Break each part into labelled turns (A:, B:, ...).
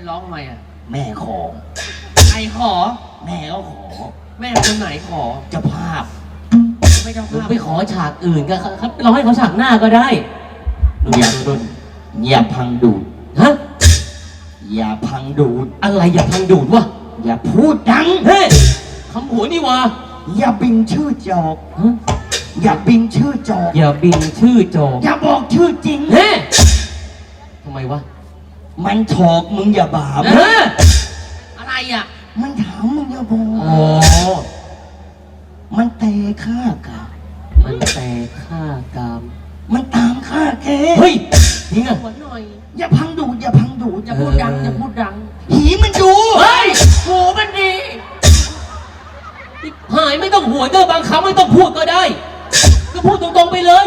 A: ร้องทำไมอ่ะ
B: แม่ขอ
A: ใครขอ
B: แม่ก็ขอ
A: แม่คนไหนขอ
B: เจ้าภาพ
A: ไม่เจ้าภาพ
C: ไปขอฉากอื่นก็ครับร้องให้เขาฉากหน้าก็ได้
B: อย่าพังดูด
C: ฮะ
B: อย่าพังดูด
C: อะไรอย่าพังดูดวะ
B: อย่าพูดดัง
C: เฮ้คำหัวนี่วะ
B: อย่าบิงชื่อจอกอย่าบิงชื่อจอก
C: อย่าบิงชื่อจอก
B: อย่าบอกชื่อจริง
C: เฮ้ทำไมวะ
B: มันถอกมึงอย่าบาป
A: อะไรอ่ะ
B: มันถามมึงอย่าบอก
C: อ๋อ
B: มันเตะฆ่ากาม
C: มันเตะฆ่ากาม
B: มันตามฆ่าแก
C: เฮ้ยจริงอ่ะ
A: หน่อย
B: อย่าพังดูดอย่าพังดูด
A: อย่าพูดดังอย่าพูดดัง
B: หีมันดู
A: เฮ้ยหูมันดี
C: หายไม่ต้องหัวเด้อบางคำไม่ต้องพูดก็ได้ก็พูดตรงๆไปเลย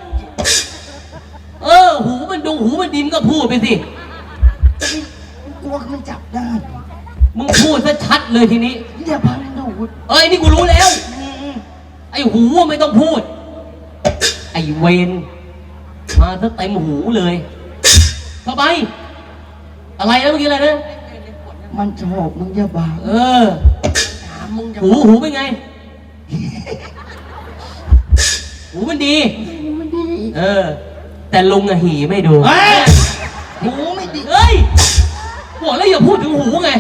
C: หูมันดูหูมันดิมก็พูดไปสิ
B: กลัวมันจับได้
C: มึงพูดซะชัดเลยทีนี้
B: อย่าพังดูด
C: นี่กูรู้แล้วไอ้หูไม่ต้องพูดไอ้เวนมาซะเต็มหูเลยเข้าไปอะไรนะเมื่อกี้อะไรนะ
B: มันชอบมึงอย่าบ้า
A: ถามมึงจะ
C: หูเป็นไงหูมันดีแต่ลุงอะหีไม่ดู
B: หูไม่ดี
C: บอกแล้วอย่าพูดถึงหูไง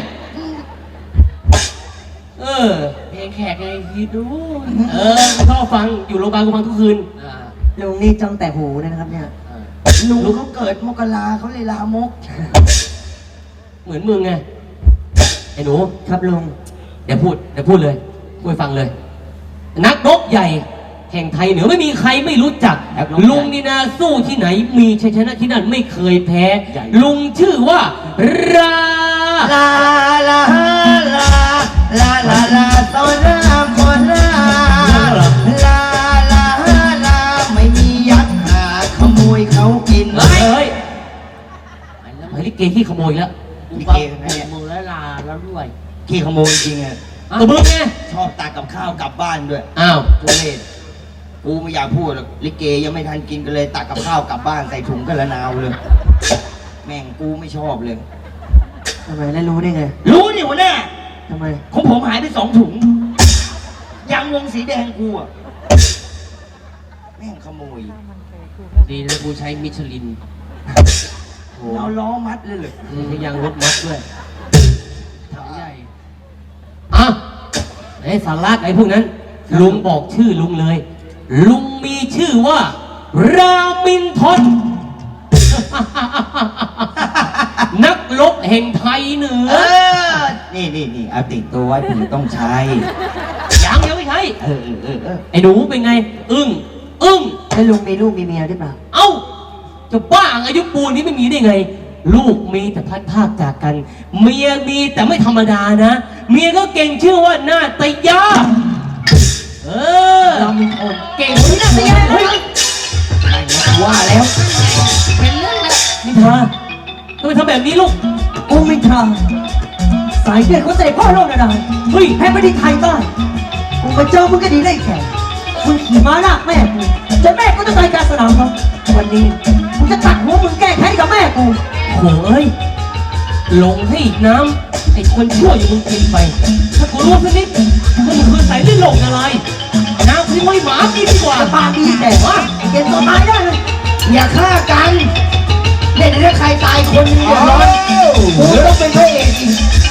A: เพลงแขกไงฮีดู
C: ชอบฟังอยู่โรงพยาบาลกูฟังทุกคืน
D: ลุงนี่จ้องแต่หูนะครับเนี่ย
B: ลุงเขาเกิดมกราเขาเลยลามก
C: เหมือนมึงไงไอ้หนู
D: ครับลุง
C: เดี๋ยวพูดเลยพูดฟังเลยนักรบใหญ่แห่งไทยเหนือไม่มีใครไม่รู้จักลุงนี่นะสู้ที่ไหนมีชัยชนะที่นั่นไม่เคยแพ้ลุงชื่อว่าลา
B: ลาลาลาลาลาลาตอนรามคนลาลาลาลาไม่มียักษ์หาขโมยเขากิน
C: ไอ้ลิเกที่ขโมยแล้ว
A: ลิเกมือแล้วลาแล้วด้วย
B: ขี้ขโมยจริงไง
C: ตัวมึงไง
B: ชอบตักกับข้าวกลับบ้านด้วยทุเรศกูไม่อยากพูดหรอกลิเกยังไม่ทันกินกันเลยตักกับข้าวกลับบ้านใส่ถุงกันละนาวเลยแม่งกูไม่ชอบเลย
D: ทำไมแล้วรู้ได้ไง
B: รู้นี่หัวหน้า
D: ทำไม
B: ของผมหายไป2 ถุงยางวงสีแดงกูอะแม่งขโมย
A: ดีนะกูใช้มิชลิน
B: เอาล้อมัดเลยเหร
C: อยังรถมัดด้วย
A: ถังใหญ่
C: ไอ้สาระไอ้พวกนั้นลุงบอกชื่อลุงเลยลุงมีชื่อว่ารามินทรนักรบแห่งไทยเหนือ
B: นี่เอาติดตัวไว้ผมต้องใช้
C: ยังไม่ใช่ไอ้หนูเป็นไงอึ้ง
D: แล้วลุงมีลูกมีเมียหรือเปล่า
C: จะบ้าอายุปูนนี้ไม่มีได้ไงลูกมีแต่พัดภาคจากกันเมียมีแต่ไม่ธรรมดานะเมียก็เก่งชื่อว่านาตยา
D: เรามีคน
C: เก่งนาตยา
B: ว่าแล้ว
A: เป็นเรื่องแล้ว
C: นิทาทำไมทำแบบนี้ลูก
D: โอ้ไม่ทาสายเลือดเขาใจพ่อโลกนะเฮ้ยแพ้ไม่ได้ไทยบ้านกูมาเจอมึงก็ดีได้แค่มึงขี่ม้าลากแม่กูแต่แม่ก็ต้องตายกลางสนามครับวันนี้กูจะตัดหัวมึงแก้แค้นกับแม่กู
C: โอ้ยลงให้อีกน้ำไอ้คนชั่วอย่างมึงกินไปถ้ากูรู้สักนิดมึงคือใส่ลิ้นหลงอะไรน้ำทิ้งไว้หมากินดีกว่า
D: ปากดีแต่ว่าเก็บตัวตายได้เลย
B: อย่าฆ่ากันเล่นให้ใครตายคนนึงอย่าร้อนกูต้องเป็นพระเอกอีก